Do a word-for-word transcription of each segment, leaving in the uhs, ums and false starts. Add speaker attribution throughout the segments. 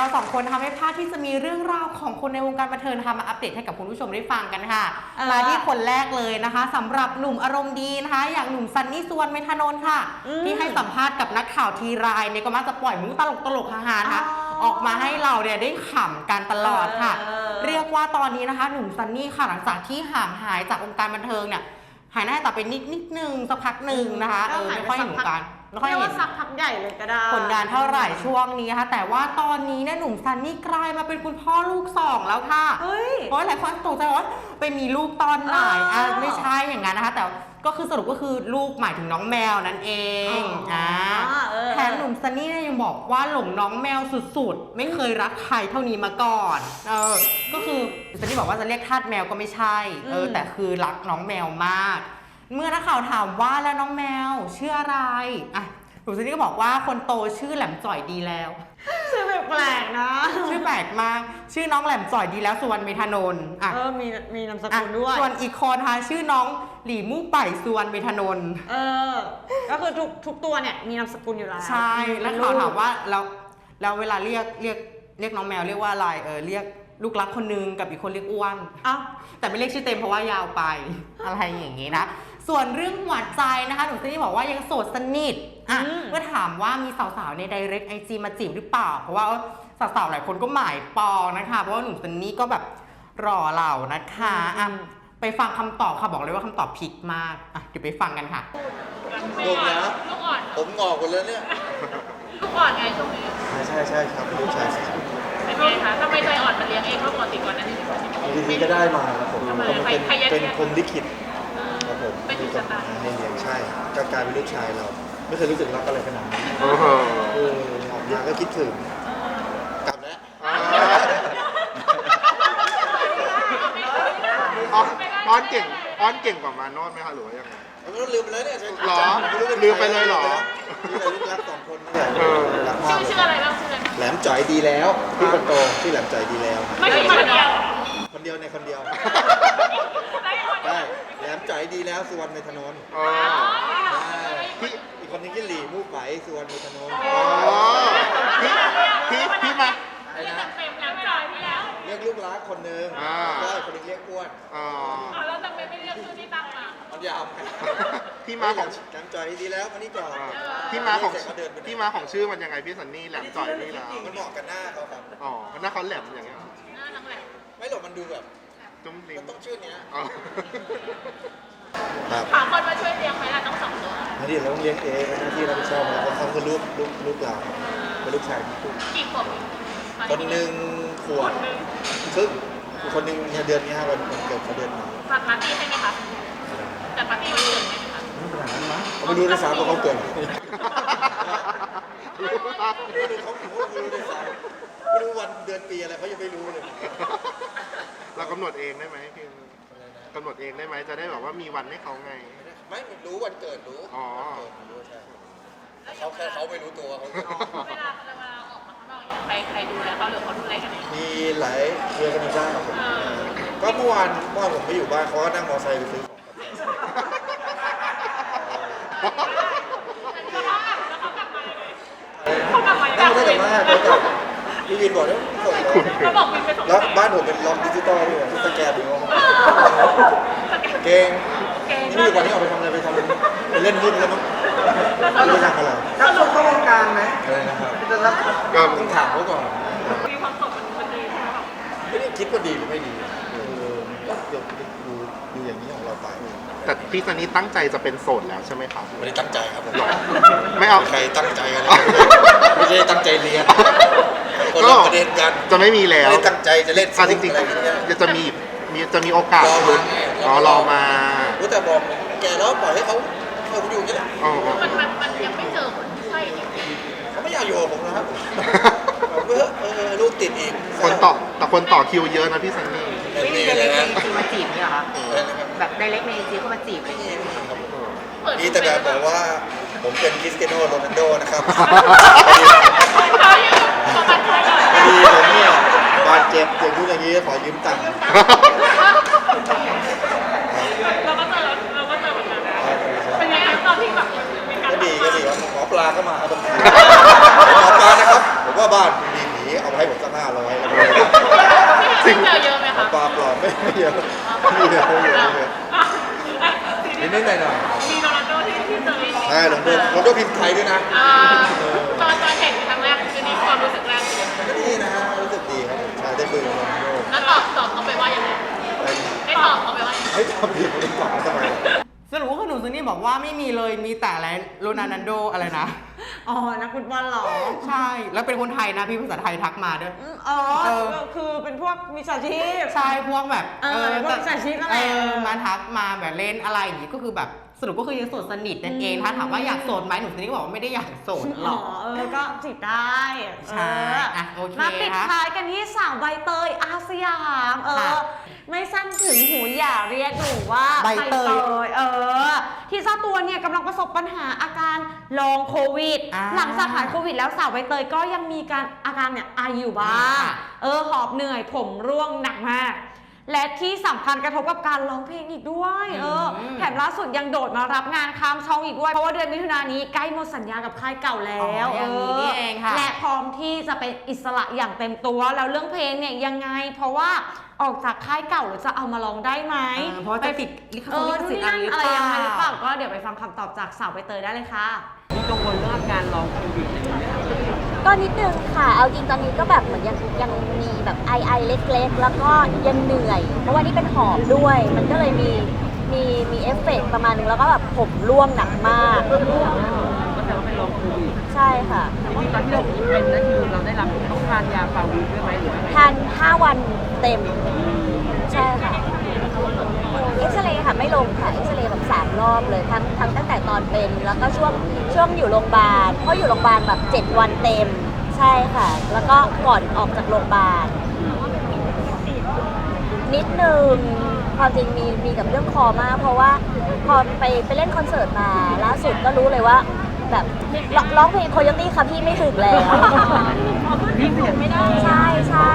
Speaker 1: เราสองคนทำให้พลาดที่จะมีเรื่องราวของคนในวงการบันเทิงนะคะมาอัปเดตให้กับคุณผู้ชมได้ฟังกันค่ะมาที่คนแรกเลยนะคะสำหรับหนุ่มอารมณ์ดีนะคะอย่างหนุ่มซันนี่สุวรรณเมธานนท์ค่ะที่ให้สัมภาษณ์กับนักข่าวทีไรเนี่ยก็มักจะปล่อยมุกตลกตลกฮาๆนะคะออกมาให้เราเนี่ยได้ขำกันตลอดค่ะเรียกว่าตอนนี้นะคะหนุ่มซันนี่ค่ะหลังจากที่ห่างหายจากวงการบันเทิงเนี่ยหายหน้าต่อไปนิดนิดนึงสักพักหนึ่งนะคะเออไม่ค่อยเห็นวงการไม่ค่อยเห็น
Speaker 2: สักพักใหญ่เลยก็ได้
Speaker 1: ผลงานเท่าไหร่ช่วงนี้นะคะแต่ว่าตอนนี้เนี่ยหนุ่มซันนี่กลายมาเป็นคุณพ่อลูกสองแล้วค่ะเพราะหลายคนตกใจว่าไปมีลูกตอนไหนอ่ะไม่ใช่อย่างนั้นนะคะแต่ก็คือสรุปก็คือลูกหมายถึงน้องแมวนั่นเองอ่าแถมหนุ่มซันนี่เนี่ยยังบอกว่าหลงน้องแมวสุดๆไม่เคยรักใครเท่านี้มาก่อนเออก็คือซันนี่บอกว่าจะเรียกทาสแมวก็ไม่ใช่เออแต่คือรักน้องแมวมากเมื่อนักข่าวถามว่าแล้วน้องแมวชื่ออะไรอ่ะหนุ่มซันนี่ก็บอกว่าคนโตชื่อแหลมจ่อยดีแล้ว
Speaker 2: ชื่อแปลกนะ
Speaker 1: ชื่อแปลกมากชื่อน้องแหลมจ่อยดีแล้วสุวรรณเมธานนท์
Speaker 2: อ่ะเออมีมีนามสกุลด้วย
Speaker 1: ส่วนอีกคนนะคะชื่อน้องหลี่มู่ไป่สุวรรณเมธานนท์
Speaker 2: เออก็คือทุกทุกตัวเนี่ยมีนามสกุลอยู่แล้ว
Speaker 1: ใช่แล้วข่าวถามว่าแล้วแล้วเวลาเรียกเรียกเรียกน้องแมวเรียกว่าอะไรเออเรียกลูกรักคนนึงกับอีกคนเรียกอ้วน
Speaker 2: อ้าว
Speaker 1: แต่ไม่เรียกชื่อเต็มเพราะว่ายาวไปอะไรอย่างงี้นะส่วนเรื่องหัวใจนะคะหนุ่มซันนี่บอกว่ายังโสดสนิทอ่ะเมื่อถามว่ามีสาวๆในไดเรกไอจีมาจีบหรือเปล่าเพราะว่าสาวๆหลายคนก็หมายปองนะคะเพราะว่าหนุ่มซันนี่ก็แบบรอเรานะคะอ่ะไปฟังคำตอบค่ะบอกเลยว่าคำตอบผิดมากอ่ะเดี๋ยวไปฟังกันค่ะ
Speaker 3: ลูกนะ
Speaker 4: ลูกอ่อน
Speaker 3: ผมงอกหมดเลยเนี่ย
Speaker 4: ลูกอ่อนไงช่วงนี้
Speaker 3: ใช่ใช่ใช่ครับเป็นลูกชายสิ
Speaker 4: เป็นไงคะทำไมใจอ่อนมาเลี้ยงเองเพราะปกติก่อนนั้น
Speaker 3: นี่ทีก็ได้มาครับผมเป็นเป็นพรหมลิขิตครับผม
Speaker 4: เป็นจุดสตาร์
Speaker 3: ให้เลี้ยงใช่ก็กลายเป็นลูกชายเราไม่เคยรู้สึกรักอะไรขนาดนี้เออออกมาก็คิดถึงกลับแล้ว
Speaker 5: อ้อนเก่งอ้อนเก่งกว่ามาโนดไหมคะหรือว่ายังไง
Speaker 3: มันลืมไปแล้วเนี่ย
Speaker 5: หรอลืมไปเลยหรอ
Speaker 3: นี่แหละลูกรักสองคนนี่แหละ
Speaker 4: รักมากชื่ออะไรบ้างชื่ออะไร
Speaker 3: แหลมจ่อยดีแล้วพี่คนโตที่แหลมจ่อยดีแล้ว
Speaker 4: ไม่ใช่คนเดียว
Speaker 3: คนเดียวในคนเดียวได้แหลมจ่อยดีแล้วสุวรรณเมธานนท์พี่อีกคนนึงที่หลี่มู่ไฝสุวรรณเมธานนท์
Speaker 5: พี่พี่พี่มา
Speaker 4: เต็มแล้วจ่อยพี่แล้ว
Speaker 3: เรียกลูกรักคนนึงก็คนนึงเรียกอ้วน
Speaker 4: อ๋อแล้วทำไมไม่เรียกชื่อที่ตั้งมา
Speaker 3: มันยาว
Speaker 5: ที่มาของ
Speaker 3: แหลมจ่อยดีแล้วมานี่ก่อน
Speaker 5: ที่มาของที่มาของชื่อมันยังไงพี่ซันนี่แหลมจ่อยนี่แล้ว
Speaker 3: มันเหมาะกับหน้าเขาครับ
Speaker 5: อ๋อหน้าเขาแหลมอย่างเงี้ย
Speaker 4: หน้าทั้งแหลม
Speaker 3: ไม่หรอกมันดูแบบ
Speaker 5: จุ้มลิ้ม
Speaker 3: มันต้องชื่อเนี้ย
Speaker 4: หาคนมาช่วยเลี้ยงไหมล่ะต้องสองตัว
Speaker 3: ไม่ดีเราต้องเลี้ยงเองเป็นหน้าที่เราไม่ชอบเพราะเขาคือลูกลูกลูกเราเป็นลูกชายที่คู่
Speaker 4: กี่ขวบ
Speaker 3: คนหนึ่งขวบครึ่งคนหนึ่งเดือนนี้ฮะวันเกิดเขาเดือนนี้
Speaker 4: จัดปาร์ตี้ให้ไหมคะจัดปาร์ตี้วันเกิดไหมคะ
Speaker 3: ไม่ขนาดนั้นมั้งเขาไม่รู้ด้วยซ้ำว่าเขาเกิดไม่รู้เขาไม่รู้ด้วยซ้ำไม่รู้วันเดือนปีอะไรเขายังไม่รู้เลย
Speaker 5: เรากำหนดเองได้ไหมพี่กำหนดเองได้ไหมจะได้แบบว่ามีวันให้เขาไง
Speaker 3: ไม่รู้วันเกิดรู้
Speaker 5: อ๋อ
Speaker 3: รู้ใช่เขาแค่เขาไม่รู้ตัวเขา
Speaker 4: เวลาเวลาออกมาข้างนอกใครใครดูแลเขาหรือเขาดูแลกันเอง
Speaker 3: มีหลายเรือกันได้ครับผมก็เมื่อวานเมื่อวานผมไปอยู่บ้านเขาก็นั่งมอเตอร์ไซค์ไปซื้อ
Speaker 4: ของเขากลับมา
Speaker 3: เขากลับมาเขากลับมาเขากลับพี่วินบอกแล้วส่งแล้วบ้านผมเป็นล็อกดิจิตอลด้วยสแกนดูเก่งนี่อยู่ก่อนที่ออกไปทำอะไรไปทำไปเล่นหุ้นแล้วมั้งไม่ทำอะไร
Speaker 2: ถ้าจบเข้าวงการไหม
Speaker 3: อะไรนะครับ
Speaker 5: ก็
Speaker 3: ต้องถามเขาก่อน
Speaker 4: มีความสุขมันดีใช่ไหมครับ
Speaker 3: ไม่ได้คิดว่าดีหรือไม่ดีก็เดี๋ยวดูดูอย่างนี้ของเราไป
Speaker 5: แต่พี่ซันนี่ตั้งใจจะเป็นโสดแล้วใช่ไหมครับ
Speaker 3: ไม่ได้ตั้งใจครับผม
Speaker 5: ไม่เอา
Speaker 3: ใครตั้งใจกันไม่ได้ตั้งใจเรียน
Speaker 5: ก็ประเด็นกันจะไม่มีแล้ว
Speaker 3: ตั้งใจจะเล่น
Speaker 5: จริงๆจะมีมีจะมีโอกาสรอรอมา
Speaker 3: รู้แต่บอกแกแล้วปล่อยให้เขาเขาอยู่นี่แหละ
Speaker 4: มันมันมันยังไม่เจอคนใช่จริง
Speaker 3: ๆเขาไม่อยากอยู่กับผมนะครับเมื่อเออลูกติดอีก
Speaker 5: คนต่อแต่คนต่อคิวเยอะนะพี่ซันนี่
Speaker 1: ไม่มีไดเรกในไอจีมาจีบเนี่ยเหรอแบบไดเรกในไอจีเขามาจีบอะไรอย่างเงี้ย
Speaker 3: นี่แต่แบบบอกว่าผมเป็นคริสเตียโนโรนัลโดนะครับดีผมเนี่ยบาดเจ็บอย่างนู้นอย่างนี้ขอยืมตังค์
Speaker 4: เราก็เจอเราก็เจอเหมือนกันเป็นไงตอนที่แบบ
Speaker 3: ก็ดีก็ดีครับหมอปลาก็มาบางทีหมอปลานะครับผมว่าบ้านมีผีเอาไปให้ผมสักห้าร้อย
Speaker 4: พี่เจอเยอะไหมคะ
Speaker 3: ปลาปลอมไม่ไม่เยอะไม่เยอะไม่เยอะไม่เยอะนิดนิดหน่อยหน่อย
Speaker 4: มีโรนัลโดที่ที่เจอเอง
Speaker 3: ใช่ลงด้วยลงด้วยพิมพ์ไทยด้วยนะ
Speaker 4: อ่าตอนตอนเห็นครั้งแรกคือนี่ความรู้สึกแรกเป็นยังไง
Speaker 3: ก็ดีนะฮะรู้สึกดีครับใช่ได้คุยกับโรนัลโด
Speaker 4: แล้วตอบตอบเขาไปว่ายังไงได้ตอบเขาไปว่ายังไง
Speaker 3: เฮ้ยทำผิดไม่ตอบทำไม
Speaker 1: สรุปว่าคุณหนูซันนี่บอกว่าไม่มีเลยมีแต่อะไรโรนัลโดอะไรนะ
Speaker 2: อ๋อนักฟุตบอลเหรอ
Speaker 1: ใช่แล้วเป็นคนไทยนะพี่ภาษาไทยทักมาด้วย
Speaker 2: อืมอ๋อ
Speaker 1: เออ
Speaker 2: คือเป็นพวกมิจฉาชีพ
Speaker 1: ใช่พวกแบบ
Speaker 2: เออพวกมิจฉาชีพนั่นแหละ
Speaker 1: เออมาทักมาแบบเล่นอะไรอย่างงี้ก็คือแบบสรุปก็คือยังโสดสนิทนั่นเองถ้าถามว่าอยากโสดไหมหนูซันนี่ก็บอกว่าไม่ได้อยากโสดหรอก
Speaker 2: เออ ก็จีบได้
Speaker 1: ใช่
Speaker 2: เออ
Speaker 1: อ่ะโอเค
Speaker 2: มาปิด
Speaker 1: ค่ะ
Speaker 2: ท้ายกันที่สาวใบเตยอาสยาม เอ
Speaker 1: ค่ะ
Speaker 2: อ ไม่สั้นถึงหูอย่าเรียกหนูว่า
Speaker 1: ใบเตย
Speaker 2: เออ ที่เจ้าตัวเนี่ยกำลังประสบปัญหาอาการลองโควิด
Speaker 1: อ่า
Speaker 2: หลังจากหายโควิดแล้วสาวใบเตยก็ยังมีการอาการเนี่ยไออยู่บ้าง
Speaker 1: ค่ะ
Speaker 2: เออ หอบเหนื่อยผมร่วงหนักมาก และที่สำคัญกระทบกับการร้องเพลงอีกด้วย เออ
Speaker 1: อืม
Speaker 2: แถมล่าสุดยังโดดมารับงานข้ามช่องอีกด้วย เพราะว่าเดือนมิถุนายนนี้ใกล้หมดสัญญากับค่ายเก่าแล้ว
Speaker 1: อ๋ออย่างนี้นี่เองค่ะ
Speaker 2: และพร้อมที่จะเป็นอิสระอย่างเต็มตัว แล้วเรื่องเพลงเนี่ยยังไง เพราะว่าออกจากค่ายเก่าแล้วจะเอามาร้องได้ไหม
Speaker 1: เออเพราะว่าจะติดลิข
Speaker 2: เออ
Speaker 1: สิท
Speaker 2: นู่น
Speaker 1: ธิ์
Speaker 2: นี่
Speaker 1: อะไร
Speaker 2: นั่น
Speaker 1: หรือ
Speaker 2: อะไร
Speaker 1: เป
Speaker 2: ยังไงหรือเป
Speaker 1: ล่า
Speaker 2: ล่าก็เดี๋ยวไปฟังคำตอบจากสาวใบเตยได้เลยค่ะ
Speaker 6: มีกังวลเรื่องอาการลองโควิดอะไรอย่างเงี้ยไหมครับ
Speaker 7: ก็นิดนึงค่ะ เอาจริงตอนนี้ก็แบบเหมือนยังยังมีแบบไอไอเล็กๆ แล้วก็ยังเหนื่อย เพราะว่านี่เป็นหอบด้วย มันก็เลยมีมีมีเอฟเฟกต์ประมาณนึงแล้วก็แบบผมร่วงหนักมาก
Speaker 6: ก็แต่ว่าเป็นลองโควิด
Speaker 7: ใช่ค่ะ
Speaker 6: จริงๆตอนที่เราเป็นนั่นคือเราได้รับต้องทานยาฟาวิด้วยไหมหรือว่าไง
Speaker 7: ทานห้าวันเต็ม ใช่ค่ะ เอ็กซเรย์ค่ะไม่ลงค่ะ เอ็กซเรย์แบบสามรอบเลยทั้งทั้งตั้งแต่ตอนเป็น แล้วก็ช่วงช่วงอยู่โรงพยาบาล เพราะอยู่โรงพยาบาลแบบเจ็ดวันเต็ม ใช่ค่ะ แล้วก็ก่อนออกจากโรงพยาบาล นิดนึงความจริงมีมีกับเรื่องคอมาก เพราะว่าพอไปไปเล่นคอนเสิร์ตมาล่าสุดก็รู้เลยว่า แบบร้องร้องเพลงโคโยตี้ค่ะพี่ไม่ถึงแล้ว
Speaker 6: พี่เปลี่ยนไม่ได้
Speaker 7: ใช่ใช่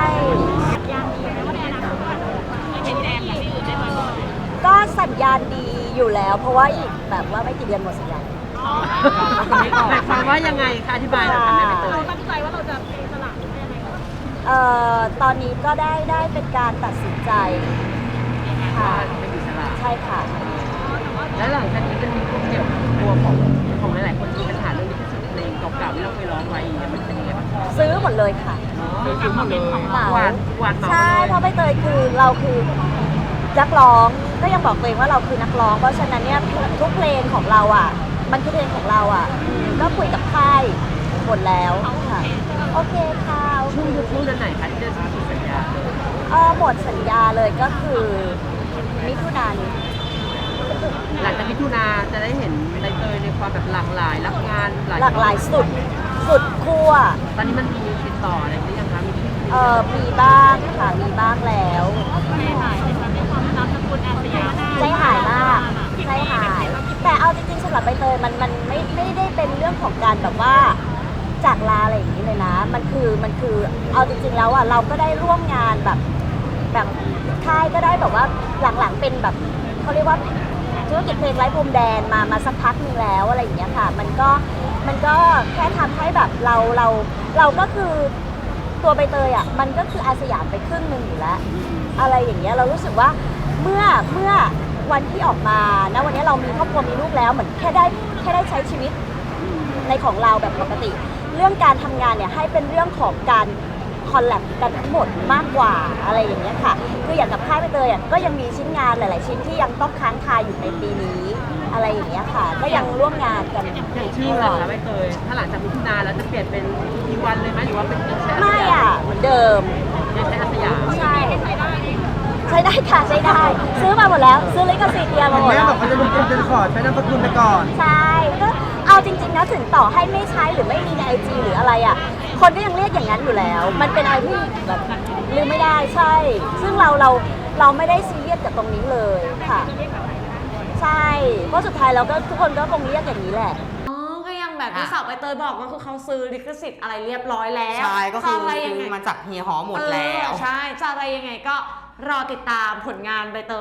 Speaker 7: ก็สัญญาณดีอยู่แล้ว เพราะว่าอีกแบบว่าไม่กี่เดือนหมดสัญญาณ
Speaker 6: หมายความว่ายังไงคะอธิบายหน่อยค่ะแม่ใบเตย
Speaker 4: ตั้งใจว่าเราจะเป็นอิสระหรือยังไงคะ
Speaker 7: เอ่อตอนนี้ก็ได้ได้เป็นการตัดสินใจค่ะ
Speaker 6: เป็นอิสระ
Speaker 7: ใช่ค่ะ
Speaker 6: แล้วหลังจากนี้จะมีความเจ็บตัวของของหลายๆคนมีปัญหาเรื่องลิขสิทธิ์เพลงเก่าๆที่เราเคยร้องไว้อย่างเงี้ยมันเป็นยังไงบ้าง
Speaker 7: ซื้อหมดเลยค่ะ
Speaker 6: ซื้อหมดเลย
Speaker 7: เหมา
Speaker 6: หวานหวานเหมา
Speaker 7: ใช่
Speaker 6: เลย
Speaker 7: เพราะใบเตยคือเราคือนักร้องก็ยังบอกตัวเองว่าเราคือนักร้อง เพราะฉะนั้นเนี่ยทุกเพลงของเราอ่ะ มันคือเพลงของเราอ่ะอืมก็คุยกับค่ายหมดแล้วค่ะโอเคค่ะโอเค
Speaker 6: ช่วงยุคช่วงเดือนไหนคะที่จะสิ้นสัญญาเลย
Speaker 7: เออหมดสัญญาเลยก็คือมิถุนายน
Speaker 6: หลังจากมิถุนาจะได้เห็นใบเตยในความแบบหลากหลายรับงานหลาย
Speaker 7: หลากหลายสุดสุดขั้ว
Speaker 6: ตอนนี้มันมีติดต่ออะไรหรือยังคะมี
Speaker 7: เออมีบ้างค่ะมีบ้างแล้ว
Speaker 4: ใจหายในความนามสกุลอาสยาม
Speaker 7: ใจหายมากใจหาย แต่เอาจริงๆสำหรับใบเตยมันมันไม่ไม่ได้เป็นเรื่องของการแบบว่าจากลาอะไรอย่างนี้เลยนะ มันคือมันคือเอาจริงๆแล้วอ่ะเราก็ได้ร่วมงานแบบแบบค่ายก็ได้แบบว่าหลังๆเป็นแบบเขาเรียกว่าธุรกิจเพลงไร้พรมแดนมามาสักพักหนึงแล้วอะไรอย่างเงี้ยค่ะ มันก็มันก็แค่ทำให้แบบเราเราเราก็คือตัวใบเตยอ่ะมันก็คืออาสยามไปครึ่งหนึ่งอยู่แล้ว อะไรอย่างเงี้ยเรารู้สึกว่าเมื่อเมื่อวันที่ออกมานะวันนี้เรามีครอบครัวมีลูกแล้วเหมือนแค่ได้แค่ได้ใช้ชีวิตในของเราแบบปกติ เรื่องการทำงานเนี่ยให้เป็นเรื่องของการคอลแลบกันทั้งหมดมากกว่าอะไรอย่างเงี้ยค่ะคืออย่างกับค่ายใบเตยอ่ะก็ยังมีชิ้นงานหลาย ๆ ชิ้นที่ยังต้องค้างคาอยู่ในปีนี้อะไรอย่างเงี้ยค่ะ ก็ยังร่วมงานกัน
Speaker 6: อย่างชื่อเหรอคะใบเตยถ้าหลังจากมิถุนาแล้วจะเปลี่ยนเป็นอีวันเลยไหมหรือว่าเป็นยังใช้อาส
Speaker 7: ไม่
Speaker 6: ยาม
Speaker 7: อ่ะเหมือนเดิม
Speaker 6: ยังใช้อาสยาม
Speaker 7: ใช่ใช้ได้ค่ะใช้ได้ ซื้อมาหมดแล้ว ซื้อลิขสิทธิ์เดียมาหมด
Speaker 8: แม่
Speaker 7: แล้ว
Speaker 8: บอกว่าจะลงทุนเป็นขอร์ดใช้นามสกุลไปก่อน
Speaker 7: ใช่ก็เอาจริงๆนะถึงต่อให้ไม่ใช้หรือไม่มีในไอจีหรืออะไรอ่ะ คนก็ยังเรียกอย่างนั้นอยู่แล้ว มันเป็นอะไรที่แบบลืมไม่ได้ใช่ ซึ่งเราเราเราไม่ได้ซีเรียสกับตรงนี้เลยค่ะ ใช่เพราะสุดท้ายเราก็ทุกคนก็คงเรียกอย่างนี้แหละ
Speaker 2: อ๋อ ก็ยังแบบที่
Speaker 1: ค่ะ
Speaker 2: สาวใบเตยบอกก็คือเขาซื้อลิขสิทธิ์อะไรเรียบร้อยแล้ว
Speaker 1: ใช่ก็คือ
Speaker 2: จะอะไรยัง
Speaker 1: ซื้
Speaker 2: ไง
Speaker 1: อมาจากเฮียหอหมดแล้ว
Speaker 2: เออใช่ จะอะไรยังไงก็รอติดตามผลงานใบเตย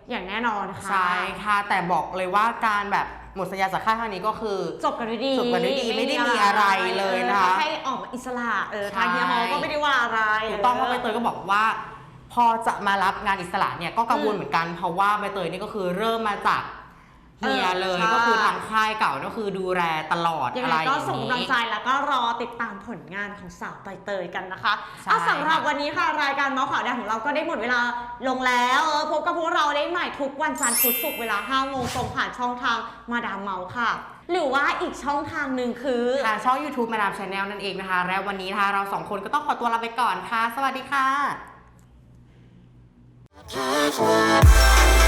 Speaker 2: อย่างแน่นอนค่ะ
Speaker 1: ใช่ค่ะแต่บอกเลยว่าการแบบหมดสัญญาจากค่ายครั้งนี้ก็คือ
Speaker 2: จบกันด้วยดี
Speaker 1: จบกันด้วยดีไม่ได้มีอะไรเลยนะคะ
Speaker 2: ให้ออกมาอิสระเออ
Speaker 1: ใช่
Speaker 2: ทางเฮียฮอก็ไม่ได้ว่าอะไร
Speaker 1: ถูกต้องว่าใบเตยก็บอกว่า พอจะมารับงานอิสระเนี่ยก็กังวลเหมือนกันเพราะว่าใบเตยนี่ก็คือเริ่มมาจากเฮียเลยก็คือทางค่ายเก่าก็คือดูแลตลอด
Speaker 2: ยัง
Speaker 1: อะ
Speaker 2: ไง
Speaker 1: ไรอ
Speaker 2: ก็
Speaker 1: ย่าง
Speaker 2: ส่ง
Speaker 1: นี้
Speaker 2: กำลังใจแล้วก็รอติดตามผลงานของสาวใบเตยกันนะคะ
Speaker 1: ใช่
Speaker 2: อ่ะสำหรับวันนี้ค่ะรายการเมาส์ข่าวดังของเราก็ได้หมดเวลาลงแล้วเออพบกับพวกเราได้ใหม่ทุกวันจันทร์พุธศุกร์เวลาห้าโมงตรงผ่านช่องทางมาดามเมาส์ค่ะ หรือว่าอีกช่องทางหนึ่งคือ
Speaker 1: ทางช่อง ยูทูบ มาดามชาแนลนั่นเองนะคะและวันนี้นะคะเราสองคนก็ต้องขอตัวลาไปก่อนค่ะ สวัสดีค่ะ